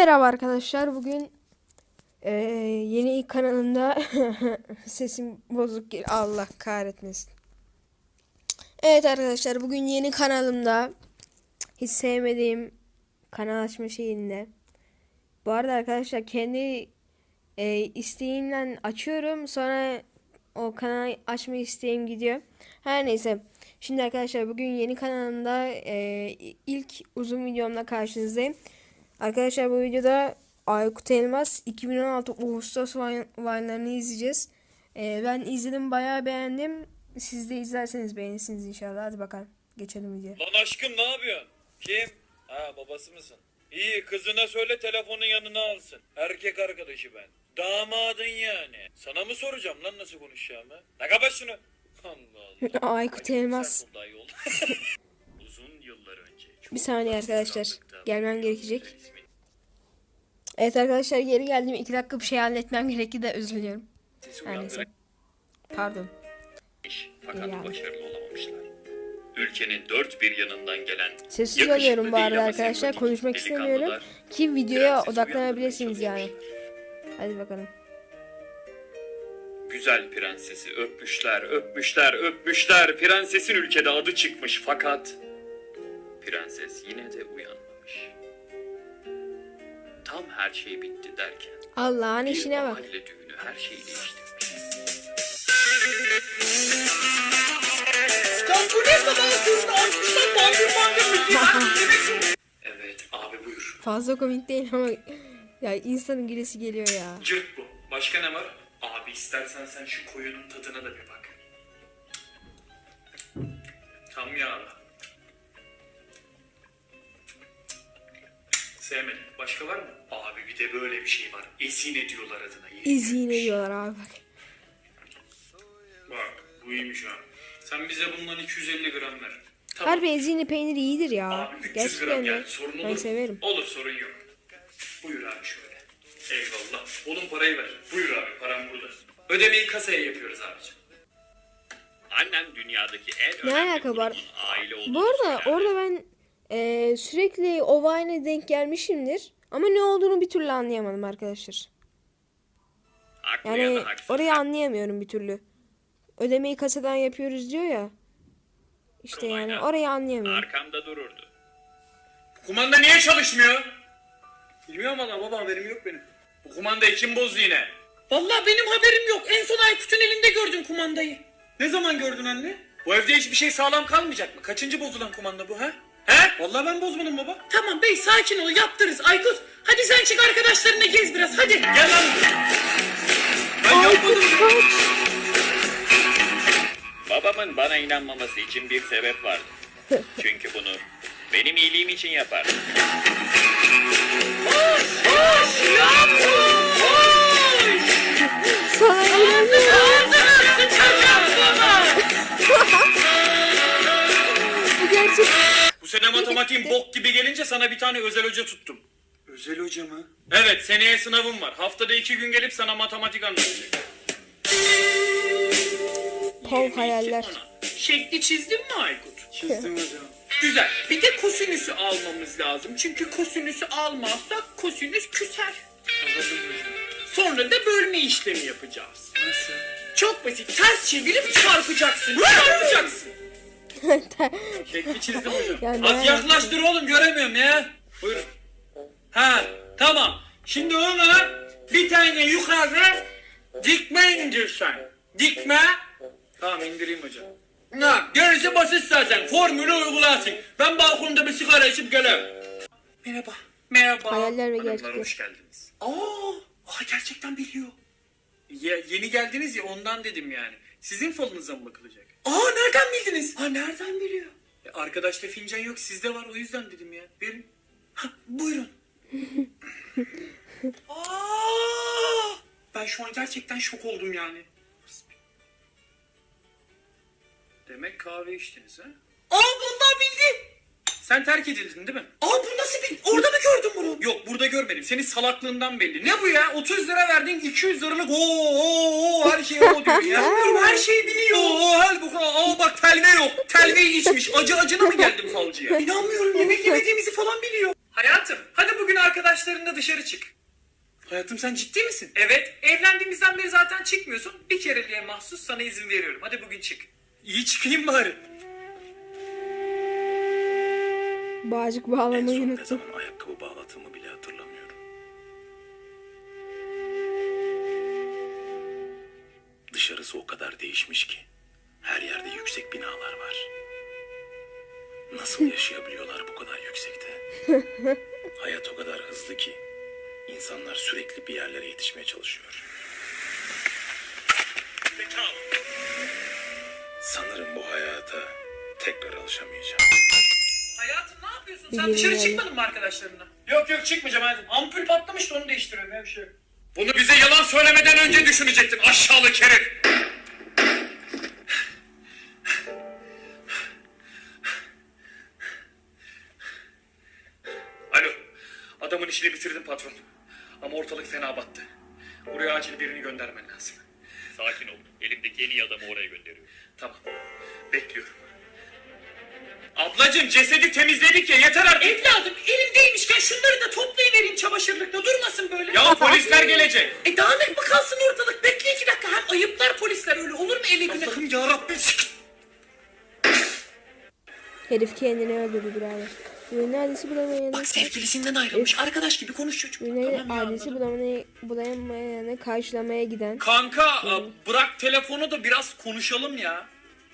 Merhaba arkadaşlar. Bugün yeni kanalımda sesim bozuk gel. Allah kahretmesin. Evet arkadaşlar, bugün yeni kanalımda hiç sevmediğim kanal açma şeyinde. Bu arada arkadaşlar kendi isteğimle açıyorum. Sonra o kanal açma isteğim gidiyor. Her neyse. Şimdi arkadaşlar bugün yeni kanalımda ilk uzun videomla karşınızdayım. Arkadaşlar bu videoda Aykut Elmas 2016 Ağustos Vine'larını izleyeceğiz. Ben izledim, bayağı beğendim. Siz de izlerseniz beğenirsiniz inşallah. Hadi bakalım geçelim videoya. Lan aşkım ne yapıyorsun? Kim? Ha, babası mısın? İyi, kızına söyle telefonun yanına alsın. Erkek arkadaşı ben. Damadın yani. Sana mı soracağım lan nasıl konuşacağımı? Ne kapat şunu. Allah Allah. Aykut Elmas. Uzun yıllar önce. Bir saniye arkadaşlar. Gelmem gerekecek. Evet arkadaşlar, geri geldim. 2 dakika bir şey halletmem gerekti de özür diliyorum. Her neyse. Pardon. Fakat başarılı olamamışlar. Ülkenin dört bir yanından gelen sessiz oluyorum bu arada arkadaşlar. Konuşmak istemiyorum ki videoya odaklanabilirsiniz yani. Hadi bakalım. Güzel prensesi öpmüşler, öpmüşler, öpmüşler. Prensesin ülkede adı çıkmış fakat prenses yine de uyanmamış. Tam her şey bitti derken Allah'ın bir işine bak. mahalle düğünü her şeyi değiştirmiş. Lan bu ne sabah köründe açmışlar bandır müziği. Evet abi buyur. Fazla komik değil ama ya insanın gülesi geliyor ya. Cırt bu. Başka ne var? Abi istersen sen şu koyunun tadına da bir bak. Tam yağlı. Sevmedim. Başka var mı? Abi bir de böyle bir şey var. Ezine diyorlar adına. İzine diyorlar abi bak. Bak bu iyiymiş ha. Sen bize bundan 250 gram ver. Tamam. Harbi ezine peyniri iyidir ya. Abi 300 Gerçekten gram de. yani sorun olur. Ben severim. Olur, sorun yok. Buyur abi şöyle. Eyvallah. Oğlum parayı ver. Buyur abi, param burada. Ödemeyi kasaya yapıyoruz abicim. Annem dünyadaki en Ne önemli alaka var? grubun aile olduğunu Bu arada söyler. orada ben sürekli o Vine'e denk gelmişimdir. Ama ne olduğunu bir türlü anlayamadım arkadaşlar. Haklı ya Yani da haksız. orayı anlayamıyorum bir türlü. Ödemeyi kasadan yapıyoruz diyor ya. İşte yani orayı anlayamıyorum. Arkamda dururdu. Kumanda niye çalışmıyor? Bilmiyorum valla baba, haberim yok benim. Bu kumandayı kim bozdu yine? Vallahi benim haberim yok. En son Aykut'un elinde gördüm kumandayı. Ne zaman gördün anne? Bu evde hiçbir şey sağlam kalmayacak mı? Kaçıncı bozulan kumanda bu ha? He? Vallahi ben bozmadım baba. Tamam bey, sakin ol, yaptırız Aykut. Hadi sen çık arkadaşlarına gez biraz, hadi. Gel lan. Ben yapmadım. Babamın bana inanmaması için bir sebep vardı. Çünkü bunu benim iyiliğim için yapar. Koş Yakup, koş. Sana inanıyorum. Ağzına sıçacağım baba. Bu gerçek. Bu sene matematiğin bok gibi gelince sana bir tane özel hoca tuttum. Özel hoca mı? Evet, seneye sınavım var. Haftada 2 gün gelip sana matematik anlatacak. Kol hayaller. Şekli çizdin mi Aykut? Çizdim hocam. Güzel. Bir de kosinüsü almamız lazım. Çünkü kosinüsü almazsak kosinüs küser. Sonra da bölme işlemi yapacağız. Nasıl? Çok basit. Ters çevirip çarpacaksın. Çarpacaksın. Şekli çizdim hocam. Ya ne Az yaklaştır oğlum, göremiyorum ya. Buyurun. Ha, tamam. Şimdi ona bir tane yukarı dikme indirsen. Dikme. Tamam, indireyim hocam. Ne? Gerisi basit zaten. Formülü uygularsın. Ben balkonda bir sigara içip gelirim. Merhaba. Merhaba. Hayaller ve Hanımlar, gerçekler. hoş geldiniz. Aa, gerçekten biliyor. Yeni geldiniz ya, ondan dedim yani. Sizin falınıza mı bakılacak? Nereden bildiniz? Nereden biliyor? Arkadaşta fincan yok, sizde var, o yüzden dedim ya. Verin. Buyurun. Ben şu an gerçekten şok oldum yani. Demek kahve içtiniz ha? Vallahi bildi. Sen terk edildin değil mi? Bu nasıl bil? Orada mı gördün bunu? Yok, burada görmedim. Senin salaklığından belli. Ne bu ya? 30 lira verdin, 200 liralık her şey o diyor ya. Bilmiyorum, her şeyi biliyor. Bak telve yok. Telveyi içmiş. Acı acına mı geldin falcıya? İnanmıyorum, yemek yemediğimizi falan biliyor. Hayatım, hadi bugün arkadaşlarınla dışarı çık. Hayatım sen ciddi misin? Evet, evlendiğimizden beri zaten çıkmıyorsun. Bir kereliğe mahsus sana izin veriyorum. Hadi bugün çık. İyi çıkayım bari. Bağcık bağlamayı Ne unuttum. zaman ayakkabı bağladığımı bile hatırlamıyorum. Dışarısı o kadar değişmiş ki. Her yerde yüksek binalar var. Nasıl yaşayabiliyorlar bu kadar yüksekte? Hayat o kadar hızlı ki insanlar sürekli bir yerlere yetişmeye çalışıyor. Sanırım bu hayata tekrar alışamayacağım. Hayatım ne yapıyorsun? Bir Sen dışarı bilmiyorum. çıkmadın mı arkadaşlarınla? Yok yok çıkmayacağım hayatım. Ampul patlamıştı onu değiştiriyorum ya bir şey yok. Bunu bize yalan söylemeden önce düşünecektin aşağılık herif. Alo. Adamın işini bitirdim patron. Ama ortalık fena battı. Buraya acil birini göndermen lazım. Sakin ol. Elimdeki en iyi adamı oraya gönderiyorum. Tamam. Bekliyorum. Ablacığım cesedi temizledik ya yeter artık. Evladım elimdeymişken şunları da toplayıvereyim çamaşırlıkta. Durmasın böyle. Ya polisler gelecek. Dağınık mı kalsın ortalık? Bekle 2 dakika. Hem ayıplar polisler öyle. Olur mu eve güne? Allah'ım yarabbim. Herif kendini öldürdü birader. Ürünün adresi bulamayanı... Bak sevgilisinden ayrılmış. Arkadaş gibi konuş çocuk. Ürünün adresi bulamayanı karşılamaya giden... Kanka bırak telefonu da biraz konuşalım ya.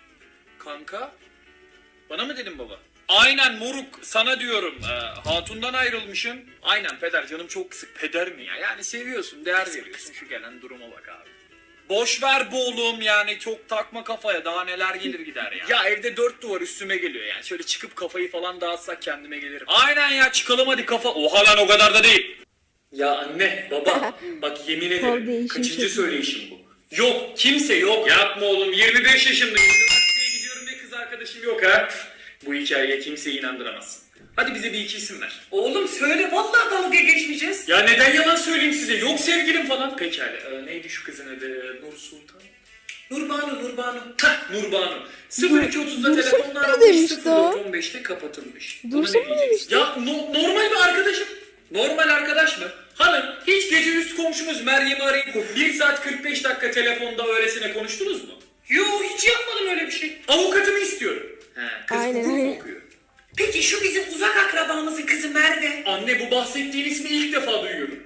Kanka? Bana mı dedin baba? Aynen moruk sana diyorum. Hatundan ayrılmışım. Aynen peder canım çok sık. Peder mi ya? Yani seviyorsun değer veriyorsun. Şu gelen duruma bak abi. Boş ver bu oğlum yani çok takma kafaya daha neler gelir gider ya. Ya evde 4 duvar üstüme geliyor yani şöyle çıkıp kafayı falan dağıtsak kendime gelirim. Aynen ya çıkalım hadi kafa. Oha lan o kadar da değil. Ya anne baba bak yemin Kol ederim değişim kaçıncı şekli. söyleyişim bu. Yok kimse yok. Yapma oğlum 25 yaşındayım. Üniversiteye gidiyorum ve kız arkadaşım yok ha. Bu hikayeye kimseyi inandıramazsın. Hadi bize bir iki isim ver. Oğlum söyle vallahi dalga geçmeyeceğiz. Ya neden yalan söyleyeyim size? Yok sevgilim falan. Pekala. Neydi şu kızın adı? Nur Sultan. Nurbanu. Hah Nurbanu. 0230'da Dursun telefonla mu aranmış demişti o? 0415'te kapatılmış. Dursun Buna ne mu diyeceksin? demişti? Ya normal bir arkadaşım. Normal arkadaş mı? Hanım hiç gece üst komşumuz Meryem'i arayıp 1 saat 45 dakika telefonda öylesine konuştunuz mu? Yo hiç yapmadım öyle bir şey. Avukatımı istiyorum. He, kız Aynen, hukuk aynen. okuyor. Peki şu bizim uzak akrabamızın kızı Merve. Anne bu bahsettiğin ismi ilk defa duyuyorum.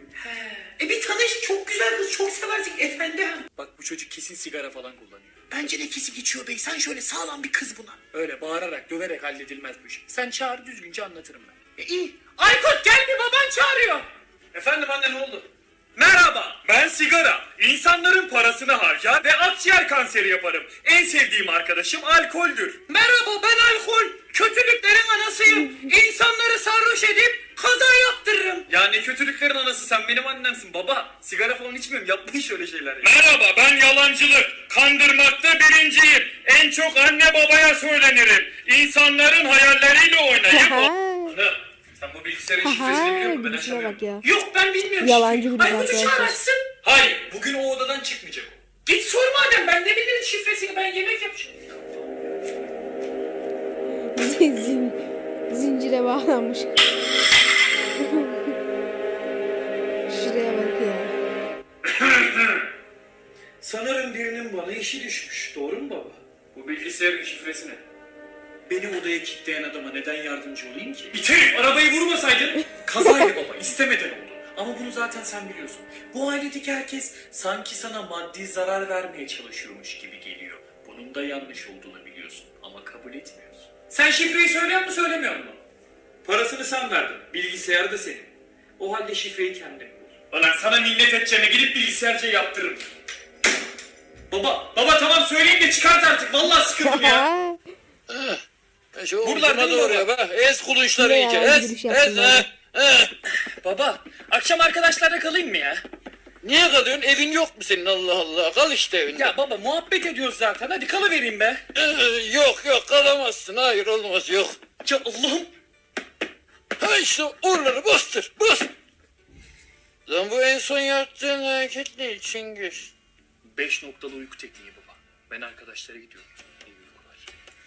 Bir tanış çok güzel kız çok seversin efendi. Bak bu çocuk kesin sigara falan kullanıyor. Bence de kesip içiyor bey. Sen şöyle sağlam bir kız buna. Öyle bağırarak, döverek halledilmez bu iş. Sen çağır düzgünce anlatırım ben. İyi. Aykut gel bir baban çağırıyor. Efendim anne ne oldu? Merhaba, ben sigara. İnsanların parasını harcar ve akciğer kanseri yaparım. En sevdiğim arkadaşım alkoldür. Merhaba ben alkol. Kötülüklerin anasıyım. İnsanları sarhoş edip kaza yaptırırım. Ya ne kötülüklerin anası sen benim annemsin baba. Sigara falan içmiyorum yapmayın şöyle şeyler ya. Merhaba ben yalancılık, kandırmakta birinciyim. En çok anne babaya söylenirim. İnsanların hayalleriyle oynayıp... Aha. Ana, sen bu bilgisayarın şifresini biliyor Aha musun? Ben gidişine aşamıyorum. bak ya. Yok ben bilmiyorum. Yalancı bir Aykut'u arkadaşlar. çağır açsın. Hayır bugün o odadan çıkmayacak o. Git sor madem ben ne bilirim şifresini ben yemek yapacağım. Zincire bağlanmış. Şuraya bak ya. Sanırım birinin bana işi düşmüş. Doğru mu baba? Bu bilgisayarın şifresi ne? Beni odaya kilitleyen adama neden yardımcı olayım ki? İterim! Arabayı vurmasaydın. Kazaydı baba. İstemeden oldu. Ama bunu zaten sen biliyorsun. Bu ailedeki herkes sanki sana maddi zarar vermeye çalışıyormuş gibi geliyor. Bunun da yanlış olduğunu biliyorsun. Ama kabul etmiyorsun. Sen şifreyi söylüyor mu söylemiyor mu? Parasını sen verdin. Bilgisayar da senin. O halde şifreyi kendin bul. Ulan sana minnet edeceğime gidip bilgisayarcıyı yaptırırım. Baba tamam söyleyeyim de çıkart artık. Vallahi sıkıldım ya. Ha, Şu Buralar ucuna değil mi doğru bak. Ez kulunçları Ne iyice. ya, Ez. giriş Ez. yaptın abi. Baba akşam arkadaşlarla kalayım mı ya? Niye kalıyorsun? Evin yok mu senin Allah Allah? Kal işte evinde. Ya baba muhabbet ediyoruz zaten. Hadi kalıvereyim be. Yok kalamazsın. Hayır olmaz yok. Ya Allah'ım. Ha işte oraları bastır. Bas. Lan bu en son yaptığın hareket ne Çingiz? 5 noktalı uyku tekniği baba. Ben arkadaşlara gidiyorum. İyi uykular.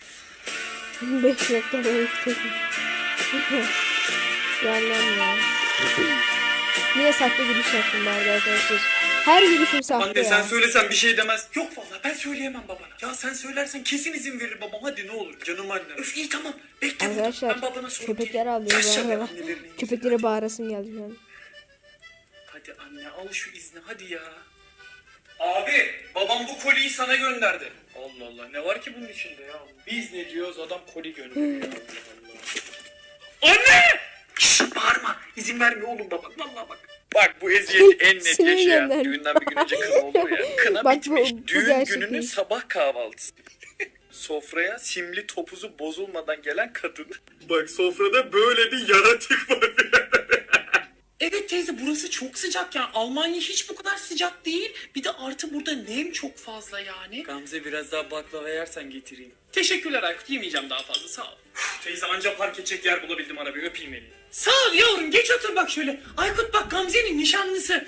5 dakika böyle. Yalan ya. Niye sahte giriş yaptım bari arkadaşlar? Her girişim sahte Anne ya. sen söylesen bir şey demez. Yok vallahi ben söyleyemem babana. Ya sen söylersen kesin izin verir babam. Hadi ne olur canım annem. Öf iyi tamam. Bekle burada. Arkadaşlar Ben babana sorayım. köpekler ağlıyor bu Yaşa be arada. annelerini. Köpeklere bağırasım geldi şu an. Hadi anne al şu izni hadi ya. Abi babam bu koliyi sana gönderdi. Allah Allah ne var ki bunun içinde ya? Biz ne diyoruz adam koli gönderiyor. Allah Allah. Anne! Şşş bağırma. İzin vermiyor oğlum baba. Vallahi bak. Bak bu eziyeti en net Sinir yaşayan. gönderdi. Düğünden bir gün önce kına olur ya. Kına Bak bitmiş. bu Düğün gerçek gününün değil. sabah kahvaltısı. Sofraya simli topuzu bozulmadan gelen kadın. Bak sofrada böyle bir yaratık var. Evet teyze burası çok sıcak yani. Almanya hiç bu kadar sıcak değil. Bir de artı burada nem çok fazla yani. Gamze biraz daha baklava yersen getireyim. Teşekkürler Aykut, yemeyeceğim daha fazla, sağ ol. Teyze anca park edecek yer bulabildim arabayı öpeyim elini. Sağ ol yavrum, geç otur bak şöyle. Aykut bak Gamze'nin nişanlısı.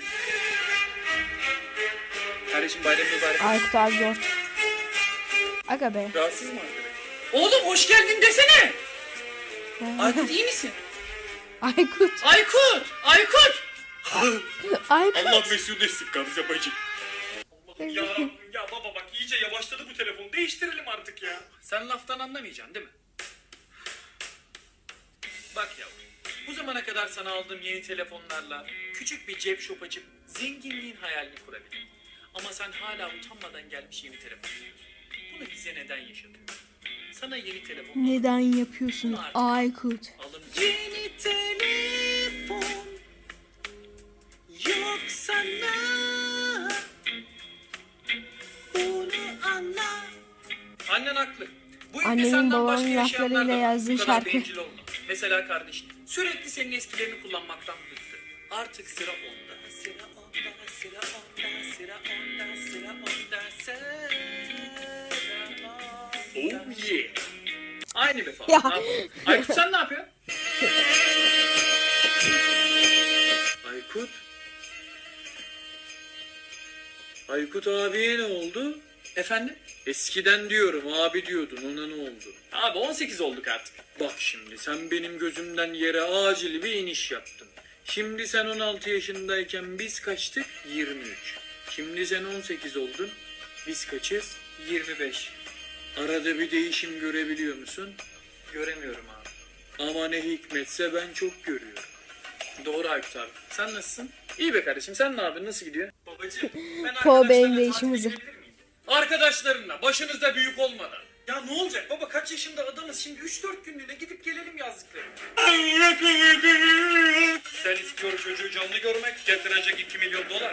Kardeşim bayram mübarek. Aykut abi zor. Aga be. Rahatsız mı arkadaş? Oğlum hoş geldin desene. Aykut iyi misin? Aykut. Aykut! Aykut! Aykut. Allah mesut etsin Gamze bacım. Allah'ım ya Rabbim ya baba bak iyice yavaşladı bu telefon. Değiştirelim artık ya. Sen laftan anlamayacaksın değil mi? Bak yavrum. Bu zamana kadar sana aldığım yeni telefonlarla küçük bir cep shop açıp zenginliğin hayalini kurabilirim. Ama sen hala utanmadan gelmiş yeni telefon diyorsun. Bunu bize neden yaşatıyorsun? Sana yeni telefon Neden yapıyorsun Aykut? alın. Yeni telefon yok sana. Bunu anla. Annen haklı. Bu evde Annemin senden babamın başka yaşayanlar laflarıyla da var. yazdığı Bu kadar şarkı. bencil olma. Mesela kardeşin. Sürekli senin eskilerini kullanmaktan bıktı. Artık sıra onda. Sıra onda, sıra onda, sıra onda, sıra onda, sıra onda. Oh yeah. Aynı be falan. Ya. Ne yapalım? Aykut sen ne yapıyorsun? Aykut. Aykut abiye ne oldu? Efendim? Eskiden diyorum abi diyordun ona ne oldu? Abi 18 olduk artık. Bak şimdi sen benim gözümden yere acil bir iniş yaptın. Şimdi sen 16 yaşındayken biz kaçtık? 23. Şimdi sen 18 oldun. Biz kaçız? 25. Arada bir değişim görebiliyor musun? Göremiyorum abi. Ama ne hikmetse ben çok görüyorum. Doğru Aykut abi. Sen nasılsın? İyi be kardeşim. Sen ne yapıyorsun? Nasıl gidiyor? Babacığım ben Po benim değişim hızı. Arkadaşlarınla başınızda büyük olmadan. Ya ne olacak baba kaç yaşında adamız şimdi 3-4 günlüğüne gidip gelelim yazdıklarım. Sen istiyor çocuğu canlı görmek getirecek 2 milyon dolar.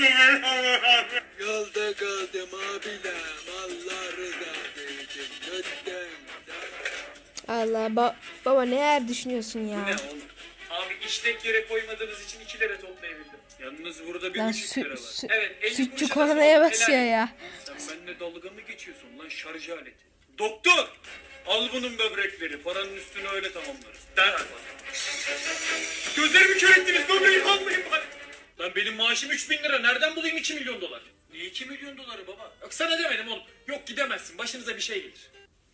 Yolda kaldım abiler. Allah rızası için. Lütfen. Allah baba neler düşünüyorsun Ne ya? oğlum? Abi işlek yere koymadığınız için 2 lira toplayabildim. Yalnız burada bir Lan buçuk lira var. Evet 50 sütçü kuruşa kornaya nasıl- basıyor Helal. ya. Sen benimle dalga mı geçiyorsun lan şarj aleti? Doktor! Al bunun böbrekleri. Paranın üstünü öyle tamamlarız. Derhal bana. Gözlerimi kör ettiniz. Böbreği almayın bari. Lan benim maaşım 3.000 lira. Nereden bulayım 2 milyon dolar? Niye 2 milyon doları baba? Yok sana demedim oğlum. Yok gidemezsin. Başınıza bir şey gelir.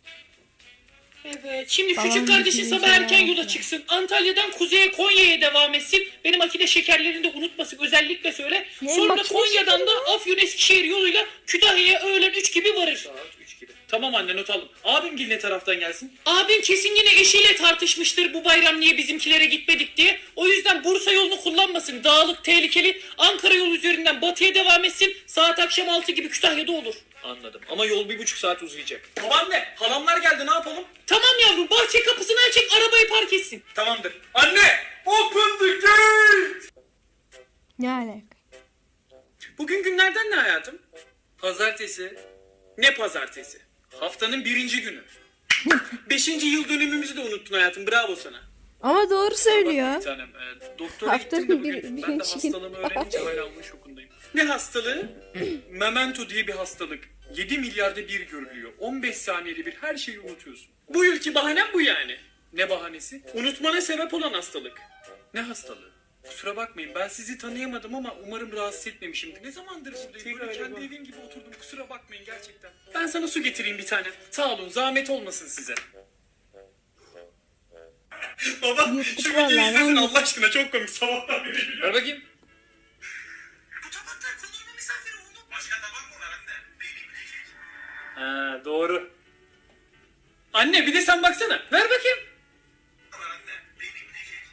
Evet, şimdi Babam küçük kardeşin düşününce sabah erken ya. yola çıksın. Antalya'dan kuzeye Konya'ya devam etsin. Benim akide şekerlerini de unutmasın özellikle söyle. Ne Sonra makine Konya'dan da Afyon Eskişehir yoluyla Kütahya'ya öğlen 3 gibi varır. Saat 3 gibi. Tamam anne not aldım. Abim gil ne taraftan gelsin? Abim kesin yine eşiyle tartışmıştır bu bayram niye bizimkilere gitmedik diye. O yüzden Bursa yolunu kullanmasın. Dağlık, tehlikeli. Ankara yolu üzerinden batıya devam etsin. Saat akşam 6 gibi Kütahya'da olur. Anladım. Ama yol 1,5 saat uzayacak. Babaanne, halamlar geldi ne yapalım? Tamam yavrum bahçe kapısını açık arabayı park etsin. Tamamdır. Anne! Open the gate! Ne alaka? Bugün günlerden ne hayatım? Pazartesi. Ne pazartesi? Haftanın 1. günü. 5. yıl dönümümüzü de unuttun hayatım. Bravo sana. Ama doğru söylüyor. Bak bir tanem. Doktora Haftanın gittim de bugün. bir- Ben de birinci hastalığımı öğrenince hala onun şokundayım. Ne hastalığı? Memento diye bir hastalık. 7 milyarda bir görülüyor. 15 saniyede bir her şeyi unutuyorsun. Bu yılki bahanem bu yani. Ne bahanesi? Unutmana sebep olan hastalık. Ne hastalığı? Kusura bakmayın ben sizi tanıyamadım ama umarım rahatsız etmemişimdir. Ne zamandır buradayım? Böyle kendi evim gibi oturdum. Kusura bakmayın gerçekten. Ben sana su getireyim bir tane. Sağ olun zahmet olmasın size. Baba Yırttık şu videoyu vallahi, izlesin ben Allah aşkına, çok komik, sabahtan beri gülüyorum. Ver bakayım. Bu tabaklar konulma misafiri oğlum. Başka tabak mı var anne? Benim bilecek. Ha doğru. Anne bir de sen baksana. Ver bakayım. Var anne. Benim bilecek.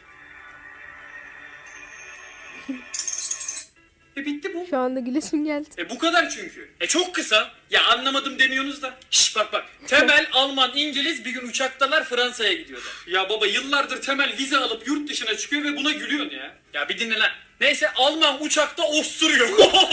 Bitti bu. Şu anda gülesim geldi. Bu kadar çünkü. Çok kısa. Ya anlamadım demiyorsunuz da. Şş bak. Temel, Alman, İngiliz bir gün uçaktalar, Fransa'ya gidiyorlar. Ya baba yıllardır Temel vize alıp yurt dışına çıkıyor ve buna gülüyorsun ya. Ya bir dinle lan. Neyse Alman uçakta osturuyor.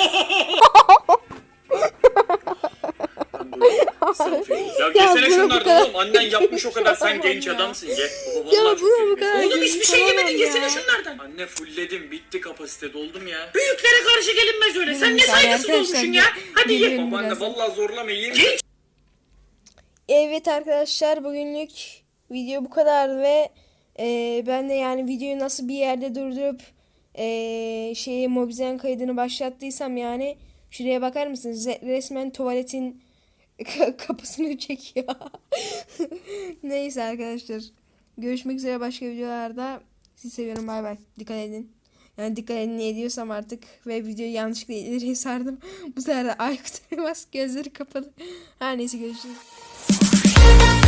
Ya yesene buna bu şunlardan kadar- oğlum. Annen yapmış o kadar. Sen Tamam genç ya. adamsın. Ye. Baba Ya vallahi çok buna bu iyi. kadar Oğlum hiçbir şey Tamam yemedin, ya. yesene şunlardan. Anne fullledim. Bitti kapasite. Doldum ya. Büyüklere karşı gelinmez öyle. Sen ne saygısız Arkadaşlar, olmuşsun ya. Hadi ye. geliyorum Babaanne birazdan. vallahi zorlama yiyin. Evet arkadaşlar, bugünlük video bu kadar ve ben de yani videoyu nasıl bir yerde durdurup Mobizen kaydını başlattıysam, yani şuraya bakar mısınız? Resmen tuvaletin kapısını çekiyor. Neyse arkadaşlar, görüşmek üzere başka videolarda. Sizi seviyorum, bay bay. Dikkat edin. Yani dikkat edin ne ediyorsam artık ve videoyu yanlışlıkla ileriye sardım. Bu sefer de Aykut Elmas gözleri kapalı. Her neyse, görüşürüz.